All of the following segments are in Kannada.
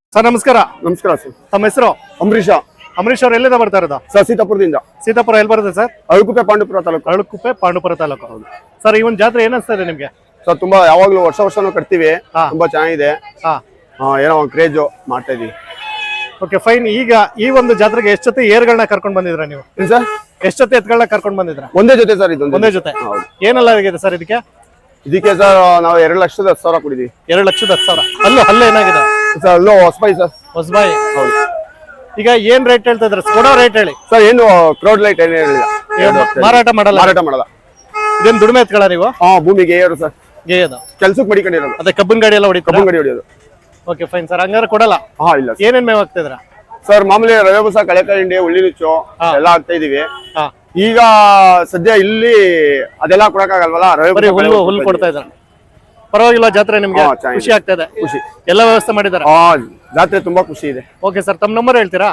ಸರ್ ನಮಸ್ಕಾರ. ನಮಸ್ಕಾರ ಸರ್. ತಮ್ಮ ಹೆಸರು? ಅಂಬರೀಷ. ಅಂಬರೀಶ್ ಅವ್ರು ಎಲ್ಲಿಂದ ಬರ್ತಾ ಇರೋದು? ಸರ್ ಸೀತಾಪುರದಿಂದ. ಸೀತಾಪುರ ಎಲ್ಲಿ ಬರುತ್ತೆ ಸರ್? ಅಳಕುಪ್ಪೆ ಪಾಂಡುಪುರ ತಾಲೂಕು. ಅಳಕುಪ್ಪೆ ಪಾಂಡುಪುರ ತಾಲೂಕು. ಸರ್ ಈ ಒಂದು ಜಾತ್ರೆ ಏನಿಸ್ತಾ ಇದೆ ನಿಮ್ಗೆ? ಸರ್ ತುಂಬಾ ಯಾವಾಗ್ಲೂ ವರ್ಷನೂ ಕಟ್ತೀವಿ. ತುಂಬಾ ಚೆನ್ನಾಗಿದೆ. ಏನೋ ಒಂದು ಕ್ರೇಜ್ ಮಾಡ್ತಾ ಇದೀವಿ. Okay fine. ಈಗ ಈ ಒಂದು ಜಾತ್ರೆಗೆ ಎಷ್ಟು ಜೊತೆ ಏರ್ಗಳನ್ನ ಕರ್ಕೊಂಡು ಬಂದಿದ್ರ ನೀವು? ಸರ್ ಎಷ್ಟು ಜೊತೆ ಎತ್ಗಳನ್ನ ಕರ್ಕೊಂಡು ಬಂದಿದ್ರ? ಒಂದೇ ಜೊತೆ ಸರ್. ಇದು ಒಂದೇ ಜೊತೆ. ಏನೆಲ್ಲ ಆಗಿದೆ ಸರ್ ಇದಕ್ಕೆ? ಇದಕ್ಕೆ ಸರ್ ನಾವು 2,10,000 ಕೊಡಿದೀವಿ. 2,10,000. ಅಲ್ಲೂ ಏನಾಗಿದೆ ಸರ್? ಅಲ್ಲೋ ಹೊಸಬಾಯಿ ಸರ್. ಹೊಸಬಾಯಿ. ಹೌದು. ಈಗ ಏನ್ ರೇಟ್ ಹೇಳ್ತಾ ಇದ್ರ? ಕೊಡೋ ರೇಟ್ ಹೇಳಿ ಸರ್. ಏನು ಕ್ರೌಡ್ ಲೈಟ್ ಏನೇ ಹೇಳಿಲ್ಲ. ಮಾರಾಟ ಮಾಡಲ್ಲ. ಮಾರಾಟ ಮಾಡಲ್ಲ. ಇದೇನು ದುಡಿಮೆ ಎತ್ಕೊಳ್ಳ ನೀವು? ಭೂಮಿಗೆ ಏರು ಸರ್. ಗೇಯದು ಕೆಲ್ಸಕ್ಕೆ ಮಡಿಕೊಂಡಿರೋದು. ಅದೇ ಕಬ್ಬನ್ ಗಾಡಿ ಎಲ್ಲ ಹೊಡಿತಾರೆ. ಕಬ್ಬನ್ ಗಾಡಿ ಹೊಡಿಯೋದು. Okay fine sir. ಹಂಗಾರೆ ಕೊಡಲ್ಲ? ಇಲ್ಲ. ಏನೇನ್ ಮೇವ್ ಆಗ್ತಿದ್ರ ಸರ್? ಮಾಮೂಲಿ ರವೆ ಬೂಸ, ಕಳೆಕಾಯಿ ಹಿಂಡಿ, ಉಳ್ಳಿ ನುಚ್ಚು ಎಲ್ಲ ಹಾಕ್ತಾ ಇದೀವಿ. ಈಗ ಸದ್ಯ ಇಲ್ಲಿ ಅದೆಲ್ಲ ಕೊಡಕ್ಕಾಗಲ್ವಲ್ಲ, ರವೆ ಹುಲ್ಲು ಕೊಡ್ತಾ ಇದ್ದಾರೆ. ಪರವಾಗಿಲ್ಲ ಜಾತ್ರೆ ನಿಮ್ಗೆ? ಖುಷಿ ಆಗ್ತಾ ಇದೆ? ಖುಷಿ. ಎಲ್ಲ ವ್ಯವಸ್ಥೆ ಮಾಡಿದ್ದಾರೆ? ಜಾತ್ರೆ ತುಂಬಾ ಖುಷಿ ಇದೆ. ಓಕೆ ಸರ್, ತಮ್ಮ ನಂಬರ್ ಹೇಳ್ತೀರಾ?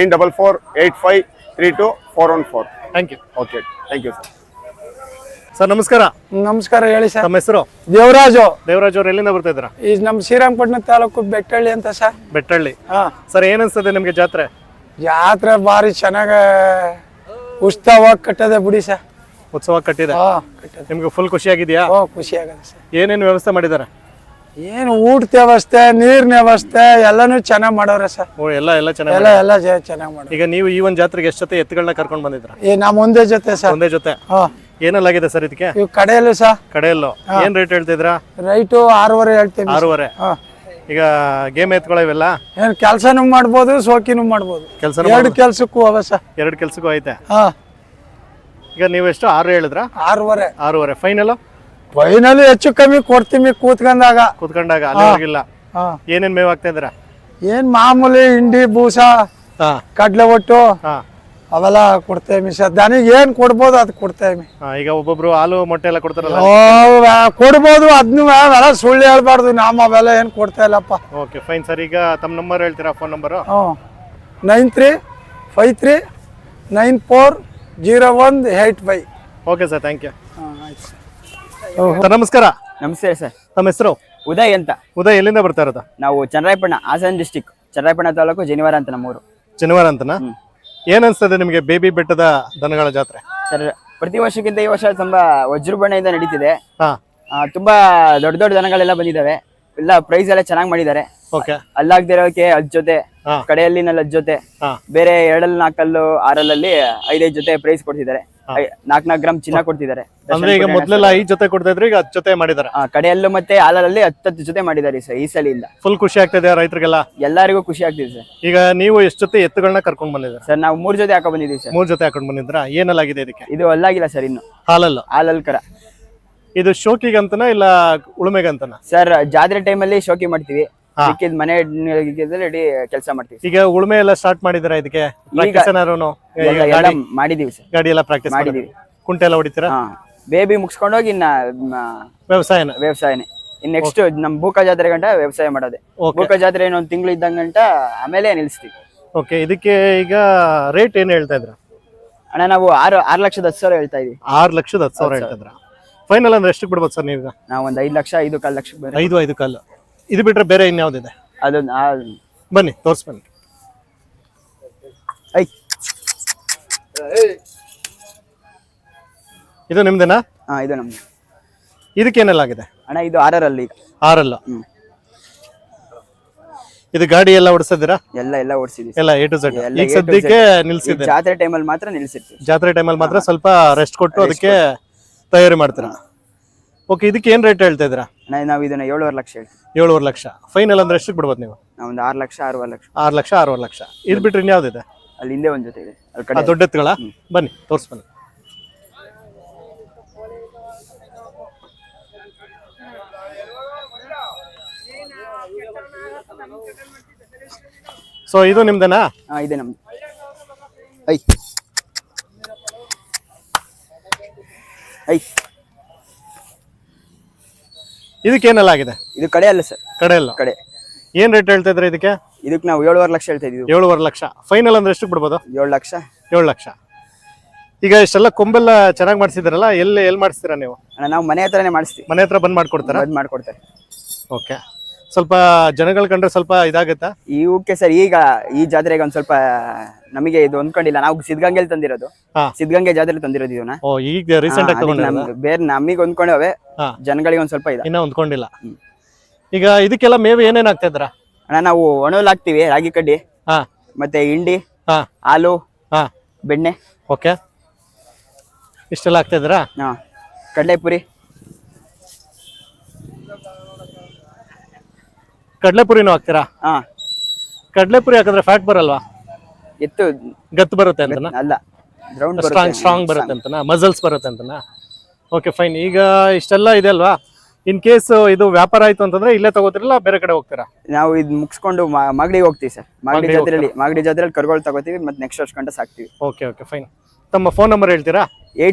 9448543414. Thank you. Okay, thank you sir. Sir ನಮಸ್ಕಾರ. ನಮಸ್ಕಾರ. ಹೇಳಿ ಸರ್. ತಮ್ಮ ಹೆಸರು? ದೇವರಾಜು. ದೇವರಾಜ್ ಅವ್ರು ಎಲ್ಲಿಂದ ಬರ್ತಾ ಇದ್ರ? ಈ ನಮ್ಮ ಶ್ರೀರಂಗಪಟ್ಟಣ ತಾಲೂಕು ಬೆಟ್ಟಳ್ಳಿ ಅಂತ ಸರ್. ಬೆಟ್ಟಳ್ಳಿ. ಸರ್ ಏನ್ ಅನ್ಸ್ತದೆ ನಿಮ್ಗೆ ಜಾತ್ರೆ? ಜಾತ್ರೆ ಬಾರಿ ಚೆನ್ನಾಗ ಉತ್ಸವ ಕಟ್ಟದೆ ಬಿಡಿ ಸರ್. ಉತ್ಸವ ಕಟ್ಟಿದೆ. ನಿಮ್ಗೆ ಫುಲ್ ಖುಷಿ ಆಗಿದೆಯಾ? ಖುಷಿ ಆಗದೆ ಸರ್. ಏನೇನು ವ್ಯವಸ್ಥೆ ಮಾಡಿದ್ದಾರೆ? ಏನು ಊಟದ ವ್ಯವಸ್ಥೆ, ನೀರಿನ ವ್ಯವಸ್ಥೆ ಎಲ್ಲಾನು ಚೆನ್ನಾಗ್ ಮಾಡವ್ರೆ ಸರ್. ಎಲ್ಲ ಚೆನ್ನಾಗಿ. ಎಲ್ಲ ಚೆನ್ನಾಗ್ ಮಾಡೋರು. ಈಗ ನೀವು ಈ ಒಂದು ಜಾತ್ರೆಗೆ ಎಷ್ಟು ಜೊತೆ ಎತ್ತುಗಳನ್ನ ಕರ್ಕೊಂಡು ಬಂದಿದ್ರ? ನಮ್ಮ ಒಂದೇ ಜೊತೆ ಸರ್. ಒಂದೇ ಜೊತೆ. ಏನೆಲ್ಲಾಗಿದೆ ಸರ್ ಇದಕ್ಕೆ? ಇವ್ ಕಡೆಯಲ್ಲೂ ಸರ್. ಕಡೆಯಲ್ಲೂ ಏನ್ ರೇಟ್ ಹೇಳ್ತಿದ್ರ? ರೈಟು 6.5 ಹೇಳ್ತೀವಿ. 6.5. ಈಗ ಗೇಮ್ ಎತ್ಕೊಳ್ಳೋ ಇವೆಲ್ಲ ಏನ್ ಕೆಲ್ಸನೂ ಮಾಡ್ಬೋದು, ಸೋಕಿನೂ ಮಾಡ್ಬೋದು. ಎರಡು ಕೆಲ್ಸಕ್ಕೂ ಅವ ಸರ್. ಎರಡು ಕೆಲ್ಸಕ್ಕೂ ಐತೆ. ಈಗ ನೀವು ಎಷ್ಟು 6 ಹೇಳಿದ್ರ? 6.5. 6.5 ಫೈನಲ್. ಫೈನಲ್ ಹೆಚ್ಚು ಕಮ್ಮಿ ಕೊಡ್ತೀವಿ ಕೂತ್ಕೊಂಡಾಗ. ಅಲ್ಲಿವರೆಗಿಲ್ಲ. ಏನೇನ್ ಮೇವ್ ಆಗ್ತಾ ಇದ್ರ? ಏನ್ ಮಾಮೂಲಿ ಹಿಂಡಿ, ಬೂಸ, ಕಡ್ಲೆ ಒಟ್ಟು ಅವೆಲ್ಲ ಕೊಡ್ತೇವೆ ಸರ್. ದನಿಗೆ ಏನ್ ಕೊಡ್ಬೋದು ಅದು ಕೊಡ್ತೇವೆ. ಈಗ ಒಬ್ಬೊಬ್ರು ಹಾಲು ಮೊಟ್ಟೆ ಎಲ್ಲ ಕೊಡ್ತಾರಲ್ಲ, ಕೊಡ್ಬೋದು. ಅದನ್ನು ಅವೆಲ್ಲ ಸುಳ್ಳು ಹೇಳ್ಬಾರ್ದು. ನಾಮ ಅವೆಲ್ಲ ಏನ್ ಕೊಡ್ತಾ ಇಲ್ಲಪ್ಪ. Okay fine sir. ಈಗ ತಮ್ಮ ನಂಬರ್ ಹೇಳ್ತೀರಾ? Phone number? 9353940185. Okay sir, thank you. Sir ನಮಸ್ಕಾರ. ನಮಸ್ತೆ ಸರ್. ತಮ್ಮ ಹೆಸರು? ಉದಯ್ ಅಂತ. ಉದಯ್ ಎಲ್ಲಿಂದ ಬರ್ತಾ ಇರೋದು? ನಾವು ಚನ್ನರಾಯಪಟ್ಟಣ, ಹಾಸನ ಡಿಸ್ಟಿಕ್, ಚನ್ನರಾಯಪಟ್ಟಣ ತಾಲೂಕು, ಜನಿವಾರ ಅಂತ ನಮ್ಮೂರು. ಜನಿವಾರ ಅಂತನಾ? ಏನ್ ಅನ್ಸ್ತದೆ ನಿಮ್ಗೆ ಬೇಬಿ ಬೆಟ್ಟದ ದನಗಳ ಜಾತ್ರೆ? ಸರ್ ಪ್ರತಿ ವರ್ಷಕ್ಕಿಂತ ಈ ವರ್ಷ ತುಂಬಾ ವಜ್ರಬಣ್ಣದಿಂದ ನಡೀತಿದೆ. ತುಂಬಾ ದೊಡ್ಡ ದೊಡ್ಡ ದನಗಳೆಲ್ಲ ಬಂದಿದ್ದಾವೆ. ಎಲ್ಲ ಪ್ರೈಸ್ ಎಲ್ಲ ಚೆನ್ನಾಗಿ ಮಾಡಿದ್ದಾರೆ. ಅಲ್ಲಾಗ್ದಿರೋಕೆ 10 ಜೊತೆ, ಕಡೆಯಲ್ಲಿ 4 ಜೊತೆ, ಬೇರೆ 2, 4, 6 5 ಜೊತೆ ಪ್ರೈಸ್ ಕೊಡ್ತಿದ್ದಾರೆ. 4 ಗ್ರಾಮ್ ಚಿನ್ನ ಕೊಡ್ತಿದ್ದಾರೆ. ಅಂದ್ರೆ ಈಗ ಮೊದಲೆಲ್ಲ 5 ಜೊತೆ ಕೊಡ್ತಾ ಇದ್ರು, ಈಗ 10 ಜೊತೆ ಮಾಡಿದ್ದಾರೆ. ಕಡೆಯಲ್ಲೂ ಮತ್ತೆ ಹಾಲಲ್ಲಿ 10 ಜೊತೆ ಮಾಡಿದ್ದಾರೆ ಸರ್. ಈ ಸಲ ಇಲ್ಲ. ಫುಲ್ ಖುಷಿ ಆಗ್ತಿದೆ ರೈತರಿಗೆಲ್ಲ? ಎಲ್ಲರಿಗೂ ಖುಷಿ ಆಗ್ತಿದೆ ಸರ್. ಈಗ ನೀವು ಎಷ್ಟು ಜೊತೆ ಎತ್ತುಗಳನ್ನ ಕರ್ಕೊಂಡ್ ಬಂದಿದ್ದೀರಾ ಸರ್? ನಾವು 3 ಜೊತೆ ಹಾಕೊಂಡ್ ಬಂದಿದ್ದೀವಿ ಸರ್. 3 ಜೊತೆ ಹಾಕೊಂಡ್ ಬಂದಿದ್ರ? ಏನೆಲ್ಲಾಗಿದೆ ಇದಕ್ಕೆ? ಇದು ಅಲ್ಲಾಗಿಲ್ಲ ಸರ್, ಇನ್ನು ಹಾಲಲ್ಲಿ ಕರ. ಇದು ಶೋಕಿಗಂತನ ಇಲ್ಲ ಉಳುಮೆಗಂತನ? ಸರ್ ಜಾತ್ರೆ ಟೈಮಲ್ಲಿ ಶೋಕಿ ಮಾಡ್ತೀವಿ, ಮನೆ ಕೆಲಸ ಮಾಡ್ತೀವಿ. ಈಗ ಉಳುಮೆ ಎಲ್ಲ ಸ್ಟಾರ್ಟ್ ಮಾಡಿದಿರಾ ಇದಕ್ಕೆ? ಮಾಡಿದೀವಿ ಸರ್. ಗಾಡಿ ಎಲ್ಲ ಪ್ರಾಕ್ಟೀಸ್ ಮಾಡಿದೀವಿ. ಕುಂಟೆ ಎಲ್ಲ ಹೊಡಿತೀರಾ? ಬೇಬಿ ಮುಗಿಸ್ಕೊಂಡೋಗಿ ಇನ್ನ ವ್ಯವಸಾಯನೇ. ಇನ್ ನೆಕ್ಸ್ಟ್ ನಮ್ ಬೂಕ ಜಾತ್ರೆ ಗಂಟ ವ್ಯವಸಾಯ ಮಾಡೋದೆ. ಬೂಕ ಜಾತ್ರೆ ಇನ್ನೊಂದು ತಿಂಗಳು ಇದ್ದಂಗಂಟ ಆಮೇಲೆ ನಿಲ್ಸ್ತೀವಿ. ಓಕೆ. ಇದಕ್ಕೆ ಈಗ ರೇಟ್ ಏನ್ ಹೇಳ್ತಾ ಇದ್ರ? ಅಣ್ಣ ನಾವು 6,10,000 ಹೇಳ್ತಾ ಇದೀವಿ. 6,10,000 ಹೇಳ್ತಾ ಇದ್ರ? ಫೈನಲ್ ಅಂದ್ರೆ ಎಷ್ಟು ಬಿಡ್ಬೋದು ಸರ್ ನೀವು? ನಾವು ಒಂದು 5 ಲಕ್ಷ, 5.25 ಲಕ್ಷ. 5.25 ಇದು ಬಿಟ್ರೆ ಬೇರೆ ಇನ್ಯಾವ್ದಿದೆ? ಅದೊಂದು ಬನ್ನಿ ತೋರ್ಸ್ ಬನ್ನಿ. ಇದು ನಿಮ್ದೇನಾ? ಇದು ನಮ್ದು. ಇದಕ್ಕೇನೆಲ್ಲ ಆಗಿದೆ ಅಣ್ಣ? ಇದು 6 6. ಇದು ಗಾಡಿ ಎಲ್ಲ ಓಡಿಸಿದ್ದೀರಾ? ಎಲ್ಲ ಓಡಿಸಿದ್ವಿ. ಎಲ್ಲ A to Z. ಈಗ ಸದ್ಯಕ್ಕೆ ನಿಲ್ಸಿದ್ದೆ. ಜಾತ್ರೆ ಟೈಮಲ್ಲಿ ಮಾತ್ರ ನಿಲ್ಸಿರ್ತೀವಿ. ಜಾತ್ರೆ ಟೈಮಲ್ಲಿ ಮಾತ್ರ ಸ್ವಲ್ಪ ರೆಸ್ಟ್ ಕೊಟ್ಟು ಅದಕ್ಕೆ ತಯಾರಿ ಮಾಡ್ತೀರಾ? ಓಕೆ. ಇದಕ್ಕೆ ಏನ್ ರೇಟ್ ಹೇಳ್ತಾ ಇದ್ದೀರಾ? ನಾವು ಇದನ್ನ 7.5 ಲಕ್ಷ ಹೇಳ್ತೀವಿ. 7.5 ಲಕ್ಷ ಫೈನಲ್ ಅಂದ್ರೆ ಎಷ್ಟು ಬಿಡ್ಬೋದು ನೀವು? ನಾವೊಂದು 6 ಲಕ್ಷ, 6.5 ಲಕ್ಷ. 6 ಲಕ್ಷ, 6.5 ಲಕ್ಷ. ಇದು ಬಿಟ್ರೆ ಇನ್ಯಾವ್ದಿದೆ? ಅಲ್ಲಿ ಹಿಂದೆ ಒಂದ್ ಜೊತೆ ಇದೆ. ದೊಡ್ಡ ಎತ್ತುಗಳ? ಬನ್ನಿ ತೋರ್ಸ್ ಬನ್ನಿ. ಸೊ ಇದು ನಿಮ್ದೇನಾ? ಇದೆ ನಮ್ದು. ಇದಕ್ಕೇನೆಲ್ಲ ಆಗಿದೆ? ಇದು ಕಡೆ ಅಲ್ಲ ಸರ್. ಕಡೆ. ಏನ್ ರೇಟ್ ಹೇಳ್ತಾ ಇದ್ರೆ ಇದಕ್ಕೆ? ಇದಕ್ಕೆ ನಾವು 7.5 ಲಕ್ಷ ಹೇಳ್ತಾ ಇದೀವಿ. 7.5 ಲಕ್ಷ ಫೈನಲ್ ಅಂದ್ರೆ ಎಷ್ಟು ಬಿಡ್ಬೋದು? 7 ಲಕ್ಷ. 7 ಲಕ್ಷ. ಈಗ ಇಷ್ಟೆಲ್ಲ ಕೊಂಬೆಲ್ಲ ಚೆನ್ನಾಗಿ ಮಾಡಿಸಿದಾರಲ್ಲ, ಎಲ್ಲಿ ಮಾಡಿಸ್ತೀರಾ ನೀವು? ನಾವು ಮನೆ ಹತ್ರನೇ ಮಾಡಿಸ್ತೀವಿ. ಮನೆ ಹತ್ರ ಬಂದ್ ಮಾಡ್ಕೊಡ್ತಾರೆ? ಮಾಡ್ಕೊಡ್ತಾರೆ. ಓಕೆ. ಸ್ವಲ್ಪ ಜನಗಳು ಕಂಡ್ರೆ ಸ್ವಲ್ಪ ಇದಾಗತ್ತಾ? ಇವಕ್ಕೆ ಸರ್ ಈಗ ಈ ಜಾತ್ರೆಗೆ ಒಂದ್ ಸ್ವಲ್ಪ ನಮಗೆ ಇದು ಹೊಂದ್ಕೊಂಡಿಲ್ಲ. ನಾವು ಸಿದ್ಧಗಂಗೆಲಿ ತಂದಿರೋದು, ಹಾ. ಸಿದ್ಧಗಂಗೆ ಜಾತ್ರೆ ತಂದಿರೋದು ಇವನ್ನ. ಓ, ಈಗ ರೀಸೆಂಟ್ ಆಗಿ ತಗೊಂಡಿರೋದಾ? ಬೇರೆ ನಮಗೆ ಹೊಂದ್ಕೊಂಡವೆ, ಹಾ. ಜನಗಳಿಗೆ ಒಂದ್ ಸ್ವಲ್ಪ ಇದೆ. ಇನ್ನ ಹೊಂದ್ಕೊಂಡಿಲ್ಲ. ಈಗ ಇದಕ್ಕೆಲ್ಲ ಮೇವು ಏನೇನ್ ಆಗ್ತಾ ಇದ್ರ? ಅಣ್ಣ ನಾವು ಒಣಹುಲ್ ಹಾಕ್ತಿವಿ, ರಾಗಿ ಕಡ್ಡಿ, ಹಾ, ಮತ್ತೆ ಹಿಂಡಿ, ಹಾ, ಹಾಲು, ಹಾ. ಬೆಣ್ಣೆ, ಓಕೆ, ಇಷ್ಟೆಲ್ಲ ಆಗ್ತಾ ಇದ್ರಾ? ಹಾ, ಕಡಲೆಪುರಿ. ಕಡ್ಲೆಪುರಿನೂ ಹಾಕ್ತೀರಾ? ಹಾ, ಕಡ್ಲೆಪುರಿ ಹಾಕಿದ್ರೆ ಫ್ಯಾಟ್ ಬರಲ್ವಾ? ಎತ್ತು ಗತ್ತು ಬರುತ್ತೆ ಅಂತನಾ? ಅಲ್ಲ, ಗ್ರೌಂಡ್ ಸ್ಟ್ರಾಂಗ್ ಬರುತ್ತೆ ಅಂತನಾ? ಮಸಲ್ಸ್ ಬರುತ್ತೆ ಅಂತನಾ? Okay, fine. ಈಗ ಇಷ್ಟೆಲ್ಲ ಇದೆ ಅಲ್ವಾ, ಇನ್ ಕೇಸ್ ಇದು ವ್ಯಾಪಾರ ಆಯ್ತು ಅಂತಂದ್ರೆ ಇಲ್ಲೇ ತಗೋತಿರಲ್ಲ ಬೇರೆ ಕಡೆ ಹೋಗ್ತೀರಾ? ನಾವು ಇದು ಮುಗಿಸ್ಕೊಂಡು ಮಾಗಡಿಗೆ ಹೋಗ್ತೀವಿ ಸರ್. ಮಾಗಡಿ ಜಾತ್ರೆಯಲ್ಲಿ ಕರುಗಳು ತಗೋತೀವಿ, ಮತ್ತೆ ನೆಕ್ಸ್ಟ್ ವರ್ಷ ಗಂಟೆ ಸಾಕ್ತಿವಿ. Okay okay, fine. ತಮ್ಮ ಫೋನ್ ನಂಬರ್ ಹೇಳ್ತೀರಾ?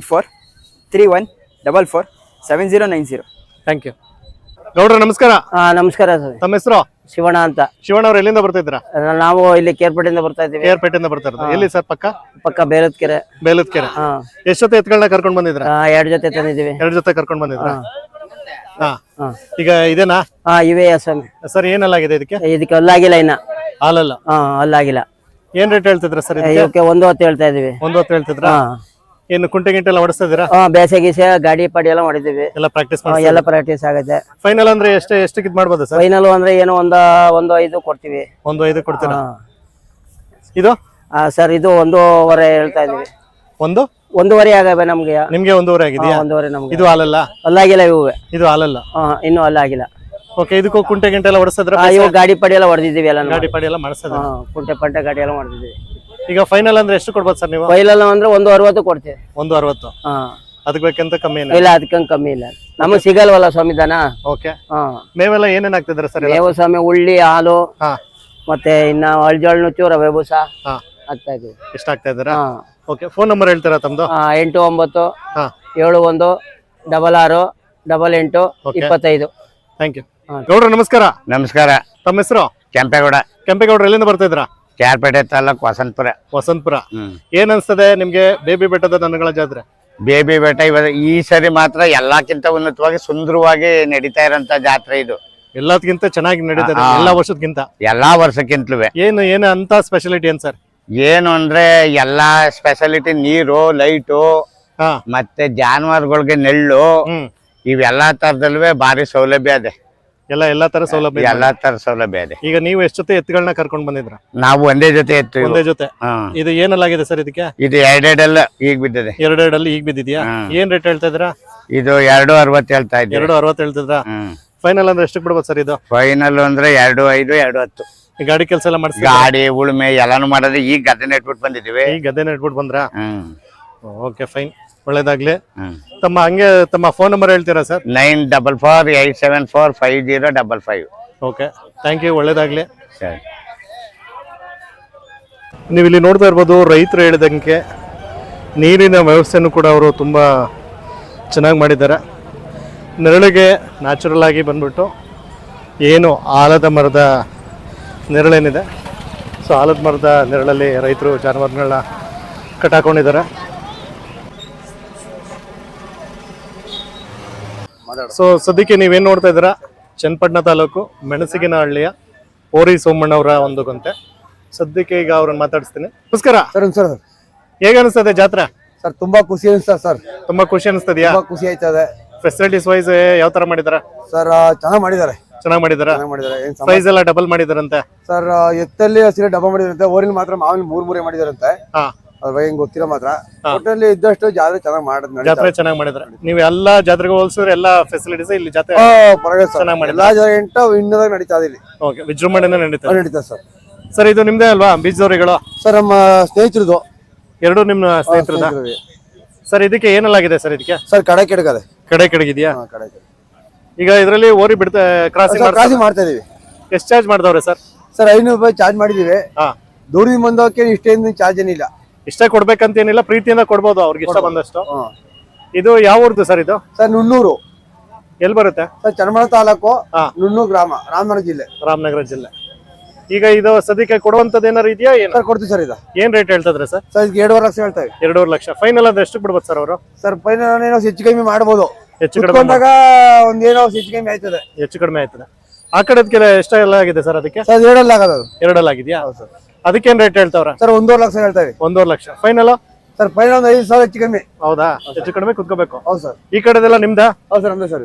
8431447090. Thank you. ಗೌಡ್ರ ನಮಸ್ಕಾರ. ನಮಸ್ಕಾರ ಸರ್. ತಮ್ಮ ಹೆಸರು? ಶಿವಣ್ಣ ಅಂತ. ಶಿವಣ್ಣ ಅವ್ರು ಎಲ್ಲಿಂದ ಬರ್ತಾ ಇದ್ರ? ನಾವು ಇಲ್ಲಿ ಕೇರ್ಪೇಟೆಯಿಂದ ಬರ್ತಾ ಇದ್ದೀವಿ. ಕೇರ್ಪೇಟೆಯಿಂದ ಬರ್ತಾ ಇರೋದು. ಎಲ್ಲಿ ಸರ್? ಪಕ್ಕ ಬೇಲದ್ಕೆರೆ. ಬೇಲದ್ಕೆರೆ. ಎಷ್ಟು ಜೊತೆ ಎತ್ಗಳನ್ನ ಕರ್ಕೊಂಡ್ ಬಂದಿದ್ರ? 2 ಜೊತೆ ತಂದಿದ್ದೀವಿ. 2 ಜೊತೆ ಕರ್ಕೊಂಡ್ ಬಂದಿದ್ರ? ಹಾ. ಈಗ ಇದೇನಾ? ಇವೆ ಸ್ವಾಮಿ. ಸರ್, ಏನೆಲ್ಲಾಗಿದೆ ಇದಕ್ಕೆ? ಇದಕ್ಕೆ ಅಲ್ಲಾಗಿಲ್ಲ ಇನ್ನ. ಹಾಲಲ್ಲ? ಅಲ್ಲಾಗಿಲ್ಲ. ಏನ್ ರೇಟ್ ಹೇಳ್ತಿದ್ರ ಸರ್? ಇವಕ್ಕೆ 1 ಹೊತ್ತು ಹೇಳ್ತಾ ಇದೀವಿ. 1 ಹೊತ್ತು ಹೇಳ್ತಿದ್ರ? ಏನು ಕುಂಟೆ ಗಿಂಟೆ ಎಲ್ಲ ಹೊಡಿಸ್ತಾ ಇದೀರಾ? ಬೇಸೆ ಗೀಸೆ ಗಾಡಿ ಪಾಡಿ ಎಲ್ಲ ಮಾಡಿದೀವಿ. ಎಲ್ಲ ಪ್ರಾಕ್ಟೀಸ್ ಎಲ್ಲ ಪ್ರಾಕ್ಟೀಸ್ ಆಗುತ್ತೆ. ಫೈನಲ್ ಅಂದ್ರೆ ಎಷ್ಟಕ್ಕೆ ಇದ್ ಮಾಡ್ಬೋದು ಸರ್? ಫೈನಲ್ ಅಂದ್ರೆ ಏನು 1.5 ಕೊಡ್ತೀವಿ. 1.5 ಕೊಡ್ತೀರಾ? ಇದು ಸರ್ ಇದು 1.5 ಹೇಳ್ತಾ ಇದೀವಿ. 1.5 ಆಗವೆ ನಮ್ಗೆ. ನಿಮ್ಗೆ 1.5 ಆಗಿದೆಯಾ? 1.5 ನಮ್ಗೆ. ಇದು ಹಾಲಲ್ಲ? ಅಲ್ಲಾಗಿಲ್ಲ ಇವು. ಇದು ಹಾಲಲ್ಲ? ಇನ್ನು ಅಲ್ಲಾಗಿಲ್ಲ. ಓಕೆ, ಇದಕ್ಕೂ ಕುಂಟೆ ಗಿಂಟೆ ಎಲ್ಲ ಹೊಡಿಸಿದ್ರ? ಇವು ಗಾಡಿ ಪಾಡಿ ಎಲ್ಲ ಹೊಡೆದಿದ್ದೀವಿ. ಎಲ್ಲ ಗಾಡಿ ಪಾಡಿ ಎಲ್ಲ ಮಾಡಿಸಿದ್ರ? ಕುಂಟೆ ಪಂಟೆ ಗಾಡಿ ಎಲ್ಲ ಮಾಡಿದ್ದೀವಿ. ಈಗ ಫೈನಲ್ ಅಂದ್ರೆ ಎಷ್ಟು ಕೊಡ್ಬೋದು ಸರ್ ನೀವು? ಫೈನಲ್ ಅಂದ್ರೆ 1.60 ಕೊಡ್ತೀವಿ. 1.60? ಅದಕ್ಕೆ ಬೇಕಂತ ಕಮ್ಮಿ ಇಲ್ಲ, ಅದಕ್ಕಂತ ಕಮ್ಮಿ ಇಲ್ಲ. ನಮಗ್ ಸಿಗಲ್ವಲ್ಲ ಸ್ವಾಮಿ ದನ. ಓಕೆ. ಮೇವೆಲ್ಲ ಏನೇನ್ ಆಗ್ತಿದ್ರ ಸರ್? ಮೇವು ಸ್ವಾಮಿ ಉಳ್ಳಿ, ಹಾಲು, ಮತ್ತೆ ಇನ್ನ ಅಳ್ಜೋಳ್ ನುಚ್ಚು, ರವೆ ಬೂಸ ಆಗ್ತಾ ಇದೀವಿ. ಇಷ್ಟ ಆಗ್ತಾ ಇದ್ದೀರಾ? ಓಕೆ, ಫೋನ್ ನಂಬರ್ ಹೇಳ್ತೀರಾ ತಮ್ದು? 8971668825. Thank you. ಗೌಡ್ರ ನಮಸ್ಕಾರ. ನಮಸ್ಕಾರ. ತಮ್ಮ ಹೆಸರು? ಕೆಂಪೇಗೌಡ. ಕೆಂಪೇಗೌಡ್ರ ಎಲ್ಲಿಂದ ಬರ್ತಾ ಇದ್ರ? ಕ್ಯಾರ್ಪೇಟೆ ತಾಲೂಕು ವಸಂತಪುರ. ಏನ್ ಅನ್ಸ್ತದೆ ನಿಮ್ಗೆ ಬೇಬಿ ಬೆಟ್ಟದ ದನಗಳ ಜಾತ್ರೆ? ಬೇಬಿ ಬೆಟ್ಟ ಈ ಸರಿ ಮಾತ್ರ ಎಲ್ಲಕ್ಕಿಂತ ಉನ್ನತವಾಗಿ ಸುಂದರವಾಗಿ ನಡೀತಾ ಇರೋಂತ ಜಾತ್ರೆ ಇದು. ಎಲ್ಲದಕ್ಕಿಂತ ಚೆನ್ನಾಗಿ ನಡೀತದೆ ಎಲ್ಲಾ ವರ್ಷಕ್ಕಿಂತ? ಎಲ್ಲಾ ವರ್ಷಕ್ಕಿಂತಲೂ. ಏನು ಅಂತ ಸ್ಪೆಷಾಲಿಟಿ ಏನ್ ಸರ್? ಏನು ಅಂದ್ರೆ ಎಲ್ಲಾ ಸ್ಪೆಷಾಲಿಟಿ, ನೀರು, ಲೈಟು, ಮತ್ತೆ ಜಾನುವಾರುಗಳಿಗೆ ನೆಳ್ಳು, ಇವೆಲ್ಲಾ ತರದಲ್ವೇ ಭಾರಿ ಸೌಲಭ್ಯ ಇದೆ. ಎಲ್ಲಾ ತರ ಸೌಲಭ್ಯ? ಎಲ್ಲಾ ತರ ಸೌಲಭ್ಯ ಇದೆ. ಈಗ ನೀವು ಎಷ್ಟು ಜೊತೆ ಎತ್ತುಗಳನ್ನ ಕರ್ಕೊಂಡ್ ಬಂದಿದ್ರ? ನಾವು ಒಂದೇ ಜೊತೆ ಎತ್ತು. ಒಂದೇ ಜೊತೆ? ಇದು ಏನೆಲ್ಲಾಗಿದೆ ಸರ್ ಇದಕ್ಕೆ? ಇದು 2 ಈಗ ಬಿದ್ದಿದೆ. 2 ಈಗ ಬಿದ್ದಿದ್ಯಾ? ಏನ್ ರೇಟ್ ಹೇಳ್ತಾ ಇದ್ರ? ಇದು 2.60 ಹೇಳ್ತಾ ಇದ್ದೀವಿ. 2.60 ಹೇಳ್ತಿದ್ರ? ಫೈನಲ್ ಅಂದ್ರೆ ಎಷ್ಟು ಬಿಡ್ಬೋದು ಸರ್ ಇದು? ಫೈನಲ್ ಅಂದ್ರೆ 2.5, 2.10. ಗಾಡಿ ಕೆಲಸ ಎಲ್ಲ ಮಾಡಿಸಿ? ಗಾಡಿ ಉಳುಮೆ ಎಲ್ಲಾನು ಮಾಡೋದು. ಈಗ ಗದ್ದೆ ನೆಟ್ಬಿಟ್ಟು ಬಂದಿದ್ದೀವಿ. ಈಗ ಗದ್ದೆ ನೆಟ್ಬಿಟ್ಟು ಬಂದ್ರ? ಓಕೆ, ಫೈನ್, ಒಳ್ಳೇದಾಗ್ಲಿ. ತಮ್ಮ ಫೋನ್ ನಂಬರ್ ಹೇಳ್ತೀರಾ ಸರ್? 9448745055. ಓಕೆ, ಥ್ಯಾಂಕ್ ಯು, ಒಳ್ಳೇದಾಗ್ಲಿ. ಸರಿ. ನೀವು ಇಲ್ಲಿ ನೋಡ್ತಾ ಇರ್ಬೋದು, ರೈತರು ಹೇಳಿದಂಗೆ ನೀರಿನ ವ್ಯವಸ್ಥೆನೂ ಕೂಡ ಅವರು ತುಂಬ ಚೆನ್ನಾಗಿ ಮಾಡಿದ್ದಾರೆ. ನೆರಳಿಗೆ ನ್ಯಾಚುರಲ್ ಆಗಿ ಬಂದ್ಬಿಟ್ಟು ಏನು ಆಲದ ಮರದ ನೆರಳೇನಿದೆ, ಸೊ ಆಲದ ಮರದ ನೆರಳಲ್ಲಿ ರೈತರು ಜಾನುವಾರುಗಳನ್ನ ಕಟ್ಟಾಕೊಂಡಿದ್ದಾರೆ. ಸೊ ಸದ್ಯಕ್ಕೆ ನೀವೇನು ನೋಡ್ತಾ ಇದ್ದೀರಾ, ಚನ್ನಪಟ್ಟಣ ತಾಲೂಕು ಮೆಣಸಿಗಿನಹಳ್ಳಿಯ ಓರಿ ಸೋಮಣ್ಣವರ ಒಂದು ಗೊಂತೆ. ಸದ್ಯಕ್ಕೆ ಈಗ ಅವ್ರನ್ನ ಮಾತಾಡಿಸ್ತೀನಿ. ನಮಸ್ಕಾರ ಸರ್. ಸರ್ ಹೇಗೆ ಅನಿಸ್ತದೆ ಜಾತ್ರೆ? ಸರ್ ತುಂಬಾ ಖುಷಿ ಅನಿಸ್ತದೆ ಸರ್. ತುಂಬಾ ಖುಷಿ ಅನಿಸ್ತದ್ಯಾ? ಖುಷಿ ಆಯ್ತದೆ. ಫೆಸಿಲಿಟೀಸ್ ವೈಸ್ ಯಾವ ತರ ಮಾಡಿದಾರ? ಸರ್ ಚೆನ್ನಾಗಿ ಮಾಡಿದ್ದಾರೆ. ಪ್ರೈಸ್ ಎಲ್ಲ ಡಬಲ್ ಮಾಡಿದಾರಂತೆ ಸರ್. ಎತ್ತಲ್ಲಿ ಹಸಿರು ಡಬಲ್ ಮಾಡಿದಾರಂತೆ, ಓರಿನ ಮಾತ್ರ ಮಾವಿನ 3 ಮಾಡಿದಾರಂತೆ. ಅದ್ರ ಹೆಂಗ್ ಗೊತ್ತಿರೋ ಮಾತ್ರ ಒಟ್ಟಲ್ಲಿ ಇದ್ದಷ್ಟು ಜಾತ್ರೆ ಚೆನ್ನಾಗಿ ಮಾಡಿದ್. ಜಾತ್ರೆ ಚೆನ್ನಾಗಿ ಮಾಡಿದ್ರೆ ನೀವು ಎಲ್ಲಾ ಜಾತ್ರೆಗೆ ಹೋಲಿಸಿದ್ರೆ ಎಲ್ಲಾ ಫೆಸಿಲಿಟೀಸ್ ಇಲ್ಲಿ ಜಾತ್ರೆ ಚೆನ್ನಾಗಿ ಮಾಡಿ ಎಲ್ಲಾ ಜಾತ್ರೆ ಇನ್ನದಾಗ ನಡೀತಾ ಇದೆ. ಓಕೆ, ವಿಜೃಂಭಣೆಯಿಂದ ನಡೀತಾ ಸರ್. ಸರ್ ಇದು ನಿಮ್ದೇ ಅಲ್ವಾ ಬೀಜದವರಿಗಳು? ಸರ್ ನಮ್ಮ ಸ್ನೇಹಿತರದು. 2 ನಿಮ್ಮ ಸ್ನೇಹಿತರದ? ಸರ್ ಇದಕ್ಕೆ ಏನೆಲ್ಲಾಗಿದೆ ಸರ್? ಇದಕ್ಕೆ ಸರ್ ಕಡೆ ಕೆಡಗದೆ. ಕಡೆ ಕೆಡಗಿದ್ಯಾ? ಈಗ ಇದರಲ್ಲಿ ಓರಿ ಬಿಡ್ತಾ ಕ್ರಾಸಿಂಗ್ ಮಾಡ್ತಾ ಇದೀವಿ. ಎಷ್ಟು ಚಾರ್ಜ್ ಮಾಡ್ದವ್ರೆ ಸರ್? ಸರ್ 500 ರೂಪಾಯಿ ಚಾರ್ಜ್ ಮಾಡಿದೀವಿ. ದೂರದಿಂದ ಬಂದೋಕೆ ಇಷ್ಟೇನು ಚಾರ್ಜ್ ಏನಿಲ್ಲ. ಇಷ್ಟೇ ಕೊಡ್ಬೇಕಂತ ಏನಿಲ್ಲ, ಪ್ರೀತಿಯಿಂದ ಕೊಡ್ಬೋದು ಅವ್ರಿಗೆ ಇಷ್ಟ ಬಂದಷ್ಟು. ಇದು ಯಾವ ಊರ್ದು ಸರ್ ಇದು? ಸರ್ ನುಣ್ಣೂರು. ಎಲ್ಲಿ ಬರುತ್ತೆ ಸರ್? ಚನ್ನಪಟ್ಟಣ ತಾಲೂಕು, ನುಣ್ಣೂರು ಗ್ರಾಮ, ರಾಮನಗರ ಜಿಲ್ಲೆ. ಈಗ ಇದು ಸದ್ಯಕ್ಕೆ ಕೊಡುವಂತದ್ದು ಏನಾರು ಇದೆಯಾ? ಸರ್ ಕೊಡ್ತೀವಿ ಸರ್. ಇದು ಏನ್ ರೇಟ್ ಹೇಳ್ತಿದ್ರೆ ಸರ್? ಸರ್ 2.5 ಲಕ್ಷ ಹೇಳ್ತೇವೆ. 2.5 ಲಕ್ಷ. ಫೈನಲ್ ಅಂದ್ರೆ ಎಷ್ಟು ಬಿಡ್ಬೋದು ಸರ್ ಅವರು? ಸರ್ ಫೈನಲ್ ಏನೋ ಹೆಚ್ಚು ಕಮ್ಮಿ ಮಾಡ್ಬೋದು. ಹೆಚ್ಚು ಕಡಿಮೆ ಒಂದೇನೋ ಹೆಚ್ಚು ಕಮ್ಮಿ ಆಯ್ತದೆ. ಹೆಚ್ಚು ಕಡಿಮೆ ಆಯ್ತದೆ. ಆ ಕಡೆದಕ್ಕೆಲ್ಲ ಎಷ್ಟೆಲ್ಲ ಆಗಿದೆ ಸರ್ ಅದಕ್ಕೆ? ಸರ್ 2 ಆಗೋದು. 2 ಆಗಿದೆಯಾ? ಅದಕ್ಕೇನ್ ರೇಟ್ ಹೇಳ್ತಾವ್ರ? ಸರ್ 1.5 ಲಕ್ಷ ಹೇಳ್ತಾವೆ. 1.5 ಲಕ್ಷ ಫೈನಲ್? ಸರ್ ಫೈನಲ್ ಒಂದು 5,000 ಹೆಚ್ಚು ಕಮ್ಮಿ. ಹೌದಾ? ಹೆಚ್ಚು ಕಡಿಮೆ ಕುತ್ಕೋಬೇಕು. ಹೌದು ಸರ್. ಈ ಕಡೆದೆಲ್ಲ ನಿಮ್ದ? ಹೌದು ಸರ್, ನಮ್ದೇ ಸರ್.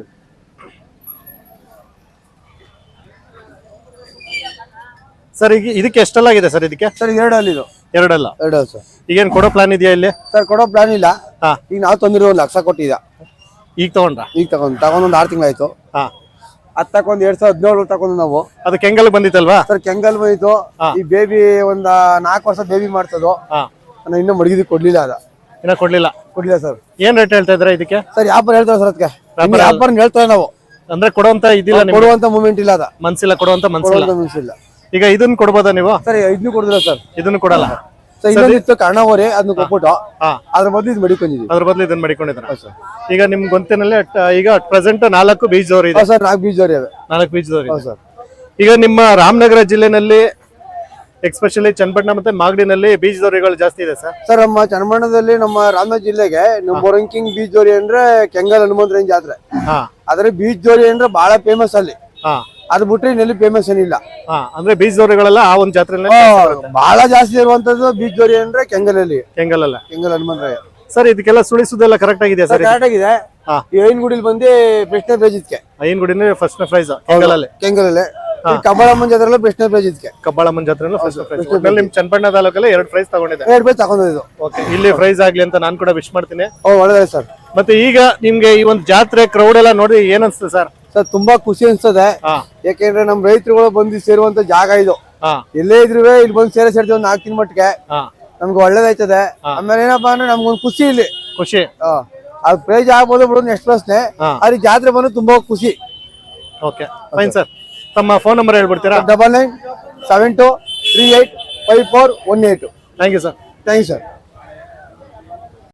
ಸರ್ ಈಗ ಇದಕ್ಕೆ ಎಷ್ಟೆಲ್ಲ ಆಗಿದೆ ಸರ್? ಇದಕ್ಕೆ ಸರ್ 2 ಅಲ್ಲಿ ಇದು. 2 ಅಲ್ಲ? 2 ಸರ್. ಈಗೇನ್ ಕೊಡೋ ಪ್ಲಾನ್ ಇದೆಯಾ ಇಲ್ಲಿ? ಸರ್ ಕೊಡೋ ಪ್ಲಾನ್ ಇಲ್ಲ. ಹಾ. ಈಗ ನಾವು ತಂದಿರೋ 1 ಲಕ್ಷ ಕೊಟ್ಟಿದ್ದ. ಈಗ ತಗೊಂಡ್ರ? ಈಗ ತಗೊಂಡ್ ಒಂದು 6 ತಿಂಗಳಾಯ್ತು. ಹಾ. ಅದ್ ತಗೊಂಡ್ 2017 ತಗೊಂಡು ನಾವು. ಅದು ಕೆಂಗಲ್ ಬಂದಿತ್ತಲ್ವಾ? ಸರ್ ಕೆಂಗಲ್ ಬಂದಿತ್ತು. ಈ ಬೇಬಿ ಒಂದ್ 4 ವರ್ಷ ಬೇಬಿ ಮಾಡ್ತದೋ. ನಾನು ಇನ್ನೂ ಮಡಗಿದ್ ಕೊಡ್ಲಿಲ್ಲ. ಇನ್ನ ಕೊಡ್ಲಿಲ್ಲ ಸರ್. ಏನ್ ರೇಟ್ ಹೇಳ್ತಾ ಇದ್ರ ಇದಕ್ಕೆ? ಸರ್ ವ್ಯಾಪಾರ ಹೇಳ್ತಾರೆ ಸರ್. ಅದಕ್ಕೆ ವ್ಯಾಪಾರ ಹೇಳ್ತೇವೆ ನಾವು. ಅಂದ್ರೆ ಕೊಡುವಂತ ಇದಿಲ್ಲ, ಕೊಡುವಂತ ಮೂಮೆಂಟ್ ಇಲ್ಲ. ಅದ ಮನ್ಸಿಲ್ಲ, ಕೊಡುವಂತ ಮನ್ಸಿಲ್ಲ. ಈಗ ಇದನ್ನ ಕೊಡ್ಬೋದಾ ನೀವು? ಸರ್ ಇದನ್ನು ಕೊಡುದಿಲ್ಲ ಸರ್. ಇದನ್ನು ಕೊಡಲ್ಲ. ಸರ್ ಇನ್ನೊಂದಿತ್ತು ಕರ್ಣವರೆ, ಅದನ್ನ ಕೊಟ್ಬಿಟ್ಟು ಅದ್ರ ಬದಲು ಇದು ಮಡಿಕೊಂಡಿದ್ವಿ. ಅದ್ರ ಬದಲು ಇದನ್ನ ಮಡಿಕೊಂಡಿದ್ರ? ಈಗ ನಿಮ್ ಗೊಂತಿನಲ್ಲಿ ಈಗ ಪ್ರೆಸೆಂಟ್ 4 ಬೀಜದವ್ರು ಇದೆ. ಸರ್ 4 ಬೀಜದವ್ರಿ ಅವೆ. 4 ಬೀಜದವ್ರು ಸರ್. ಈಗ ನಿಮ್ಮ ರಾಮನಗರ ಜಿಲ್ಲೆನಲ್ಲಿ ಎಕ್ಸ್ಪೆಷಲಿ ಚನ್ನಪಟ್ಟಣ ಮತ್ತೆ ಮಾಗಡಿನಲ್ಲಿ ಬೀಜದೋರಿಗಳು ಜಾಸ್ತಿ ಇದೆ ಸರ್. ಸರ್ ನಮ್ಮ ಚನ್ನಪಟ್ಟಣದಲ್ಲಿ ನಮ್ಮ ರಾಮನಗರ ಜಿಲ್ಲೆಗೆ ನಮ್ಮ ರಂಕಿಂಗ್ ಬೀಜದೋರಿ ಅಂದ್ರೆ ಕೆಂಗಲ್ ಹನುಮಂತರಾಯನ ಜಾತ್ರೆ. ಆದ್ರೆ ಬೀಜದೋರಿ ಅಂದ್ರೆ ಬಹಳ ಫೇಮಸ್ ಅಲ್ಲಿ. ಅದ್ ಬಿಟ್ರೆ ಇನ್ನೆಲ್ಲಿ ಫೇಮಸ್ ಏನಿಲ್ಲ. ಅಂದ್ರೆ ಬೀಜದೋರಿಗಳೆಲ್ಲ ಆ ಒಂದು ಜಾತ್ರೆ ಬಹಳ ಜಾಸ್ತಿ ಇರುವಂತದ್ದು ಬೀಜದೋರಿ ಅಂದ್ರೆ ಕೆಂಗಲಲ್ಲಿ. ಕೆಂಗಲ್ ಹನುಮಂತರಾಯ. ಸರ್ ಇದಕ್ಕೆಲ್ಲ ಸುಳಿಸುದೆಲ್ಲ ಕರೆಕ್ಟ್ ಆಗಿದೆಯಾ ಸರ್? ಕರೆಕ್ಟ್ ಆಗಿದೆ. ಈ ಐನಗುಡಿಲಿ ಬಂದು ಪ್ರಶ್ನೆ ಪ್ರೈಸ್ ಇದಕ್ಕೆ. ಐನಗುಡಿನೇ ಫಸ್ಟ್ ಪ್ರೈಸ್ ಕೆಂಗಲಲ್ಲಿ. ಕಬ್ಬಾಳಮ್ಮನ ಜಾತ್ರೆ ಪ್ರಶ್ನೆ ಪ್ರೈಸ್ ಇದಕ್ಕೆ. ಕಬ್ಬಾಳಮ್ಮನ ಜಾತ್ರೆ ಫಸ್ಟ್ ಪ್ರೈಸ್. ನಿಮ್ ಚನ್ನಪಟ್ಟಣ ತಾಲೂಕಲ್ಲಿ 2 ಪ್ರೈಸ್ ತಗೊಂಡಿದೆ. 2 ಪ್ರೈಸ್ ತಗೊಂಡಿದ್ದು. ಓಕೆ, ಇಲ್ಲಿ ಪ್ರೈಸ್ ಆಗ್ಲಿ ಅಂತ ನಾನು ಕೂಡ ವಿಶ್ ಮಾಡ್ತೀನಿ. ಒಳ್ಳೆದೇ ಸರ್. ಮತ್ತೆ ಈಗ ನಿಮ್ಗೆ ಈ ಒಂದು ಜಾತ್ರೆ ಕ್ರೌಡ್ ಎಲ್ಲ ನೋಡಿ ಏನ್ ಅನ್ಸುತ್ತೆ ಸರ್? ಸರ್ ತುಂಬಾ ಖುಷಿ ಅನ್ಸ್ತದೆ. ಯಾಕೆಂದ್ರೆ ನಮ್ ರೈತರುಗಳು ಬಂದು ಸೇರುವಂತ ಜಾಗ ಇದು. ಎಲ್ಲೇ ಇದ್ರು ಇಲ್ಲಿ ಬಂದು ಸೇರ್ತೀವಿ ಒಂದು 4 ದಿನ ಮಟ್ಟಿಗೆ. ನಮ್ಗೆ ಒಳ್ಳೇದಾಯ್ತದೆ. ಆಮೇಲೆ ಏನಪ್ಪಾ ಅಂದ್ರೆ ನಮ್ಗೊಂದು ಖುಷಿ ಇಲ್ಲಿ. ಖುಷಿ ಅದು ಪ್ರೈಸ್ ಆಗ್ಬೋದು ಬಿಡೋದು ನೆಕ್ಸ್ಟ್ ಪ್ರಶ್ನೆ. ಆದ್ರೆ ಜಾತ್ರೆ ಬಂದು ತುಂಬಾ ಖುಷಿ. Okay fine sir. ತಮ್ಮ ಫೋನ್ ನಂಬರ್ ಹೇಳ್ಬಿಡ್ತೀರಾ? 9972385418. Thank you sir. Thank you sir.